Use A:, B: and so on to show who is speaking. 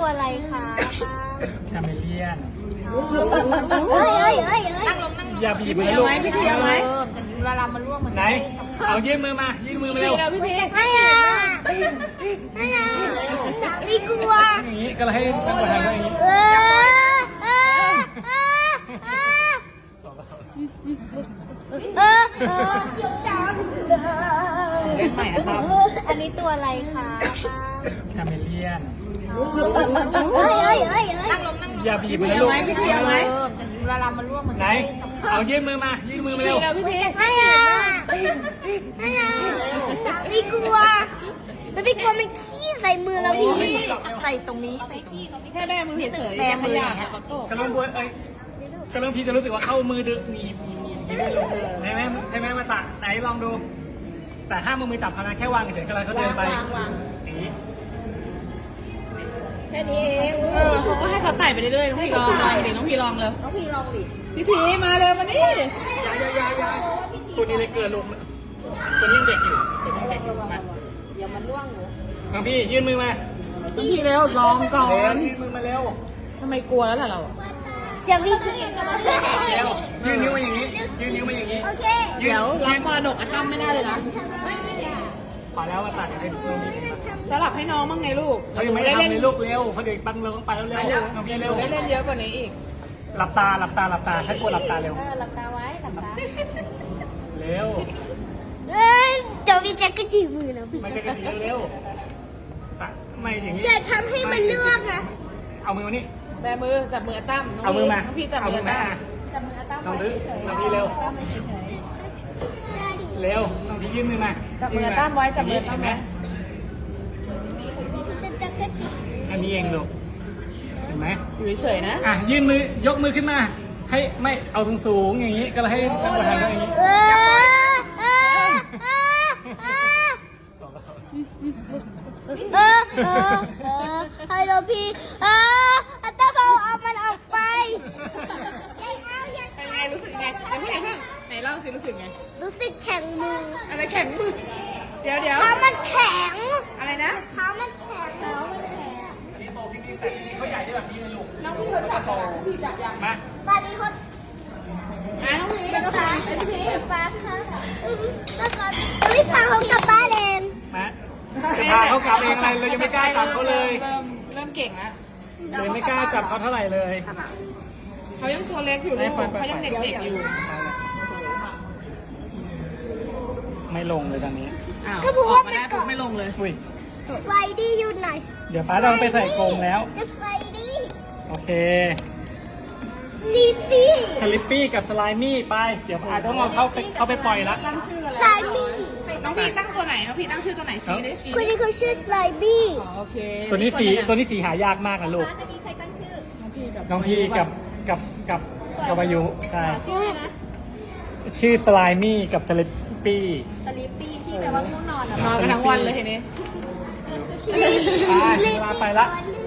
A: ตัวอะไรคะ
B: คาเมเลียน
A: เฮ้ย
C: นั่งลง
B: อย่าบีบ
C: พี่
B: นะ
C: เอา
B: ลูก
C: ไหมพี่เอาไหมเวลามันร่วงมัน
B: ไหนเอายื่นมือมายื่นมือมาเร็ว
C: พี่พี่
A: ไม่เอาไม่กลัว
B: อย่างนี้ก็เลยให้นั่งประธานอย่างนี้
A: เดี๋ยวจัง
C: เล่นใหม่อะครับ
A: อันนี้ตัวอะไรคะ
B: คาเมเลียน
C: นั่งลง
B: อย่าบีบ
C: พี่
B: นะ
C: เอา
B: ลูก
C: ไหมพี่เอาไหมเวลามันร่วงมัน
B: ไหนเอายื่นมือมายื่นมือมาเร็ว
C: พี่พี่
A: ไม่เอาไม่กลัวมันไม่กลัวมันขี้ใส่มือเราพี่
C: ใส่ตรงนี้ใส่ขี้แค่แม่มือเฉยๆแม่มืออย่างเงี้ยเขาโต
B: กระลงบัวกระลงพี่จะรู้สึกว่าเข้ามือดึงหนีบใช่ไหมใช่ไหมมาตักไหนลองดู แต่ห้ามมือจับเขานะแค่วางเฉยๆก็เลยเขาเดินไปอย่างนี้
C: แค่นี้เองเขาก็ให้เขาไต่ไปเรื่อยๆน้องพี่ลองดิน้องพี่ลองเลยน้องพี่ลองดิพี่พีมาเลยมานี่
B: ยาตัวนี้เลยเกิดลงตัวนี้ยังเด็กอยู่ตัวนี้ยังเด็กอยู่มา
C: เดี๋ยวมันร่วงหนู
B: น้องพี่ยื่นมือมา
C: น้องพี่เร็วลองก่อ
B: เร็วน ยื่นมือมาเร็ว
C: ทำไมกลัวแล้วล่ะเรา
A: จะวิ่งกัน
B: เร็วยื่นนิ้วมาอย่างนี้ยื่นนิ้วมาอย่างนี้
A: โอเค
C: เดี๋ยวรับมรดกอะตั้มไม่ได้เลยนะ
B: พอแล้วมาตัดให้น้องพี่
C: สลับให้น้องบ้างไงลูก
B: เขายังไม่ได้ทำเลยลูกเร็วเขาเด็กปั้นเราต้องไปแล้วเร็วน้องพี่เร็ว
C: ได้เล่นเยอะกว่านี้อีก
B: หลับตาถ้ากลัวหลับตาเร็ว
A: หลับตาไว้หลับตา
B: เร็ว
A: เดี๋ยวพี่แจ็คก็จีบมือนะพี่
B: ไม่ใช่กระสีเร็วไม่อย่างนี้
A: อย่าทำให้มันเลือกนะ
B: เอามือมานี่
C: แบมือจับมือตั้ม
B: เอามือมา
C: น้องพี่จับ
B: เอา
C: มื
B: มื
C: อ
B: อมา
C: ตั้ม
A: จับมือตั้ม
B: น้อง
A: ไว้
B: ดื้อ
A: เฉย
B: น้องพี่เร็ว
A: ตั้มไว้เฉย
B: เร็วน้องพี่ยื่นมือมา
C: จับมือตั้มไว้จับมือตั้
B: เห็
C: ม
B: นไหม
C: ไว้
A: จะกระจีบ
B: อันนี้เองลูกเห็นไหม
C: อยู่เฉยๆนะ
B: อ่ะยื่นมือยกมือขึ้นมา ให้ไม่เอาสูงๆอย่างนี้ก็เลยให้นั่งประธานอย่างนี้
A: ฮัลโหลพี่อาจารย์เอามันออกไป
C: เป็นไงรู้สึกไงไหนเล่าสิรู้สึกไง
A: รู้สึกแข็งมือ
C: อะไรแข็งมือเดี๋ยว
A: เท้ามันแข็ง
C: อะไรนะ
A: เท้ามันแข็งเท้ามันแข็ง
B: อันนี้โตขึ้นนี่แต่อันนี้เขาใหญ่ได้แบบนี้เลยลูก
C: น้องพี่เขาจับแล้วพี่จับยัง
B: มา
A: ตอนนี้คน
C: น้องพี่
A: เป็นฟ้าเป็นฟ้าค่ะแล้วก็พี่ฟ้าเขากลับบ้านเอง
B: มาจะพาเขากลับเองอะไรเรายังไม่กล้าจับเขาเลย
C: เริ่มเก่งแล้ว
B: เลยไม่กล้าจับเขาเท่าไหร่เลย
C: เขายังตัวเล็กอยู่ลูกเขายังเด็กๆอยู่
B: ไม่ลงเลยตอนนี้
C: อ้าวออกมาได้ปุ๊บไม่ลงเลย
B: อุ้ย
A: ไฟดี้อยู่ไหน
B: เดี๋ยวป้าต้องไปใส่กรงแล้ว
A: จะไฟดี้
B: โอเค
A: ลีฟี่
B: สลิปปี้กับสไลมี่ไป เดี๋ยวป้าต้องเอาเข้าไปปล่อยละ
C: ตั้งชื่ออะไร
A: ไซมี่
C: น้องพี่ตั้งตัวไหนน้องพี่ตั้งชื่อตัวไหนชี้ได้ชี้
A: คนนี้เขาชื่อไซบี้
C: โอเค
B: ตัวนี้สีหายากมากนะลูก
A: จะมีใครตั้งชื่อ
B: น้องพี่กับวายุใช่
A: ชื่อนะ
B: ชื่อสไลมี่กับสลิปปี้
A: สลีปปี้ที่แปลว่าง่วงนอน
C: นอนกันทั้งวันเลยทีนี้
B: ไปเวลาไปละ
A: สลี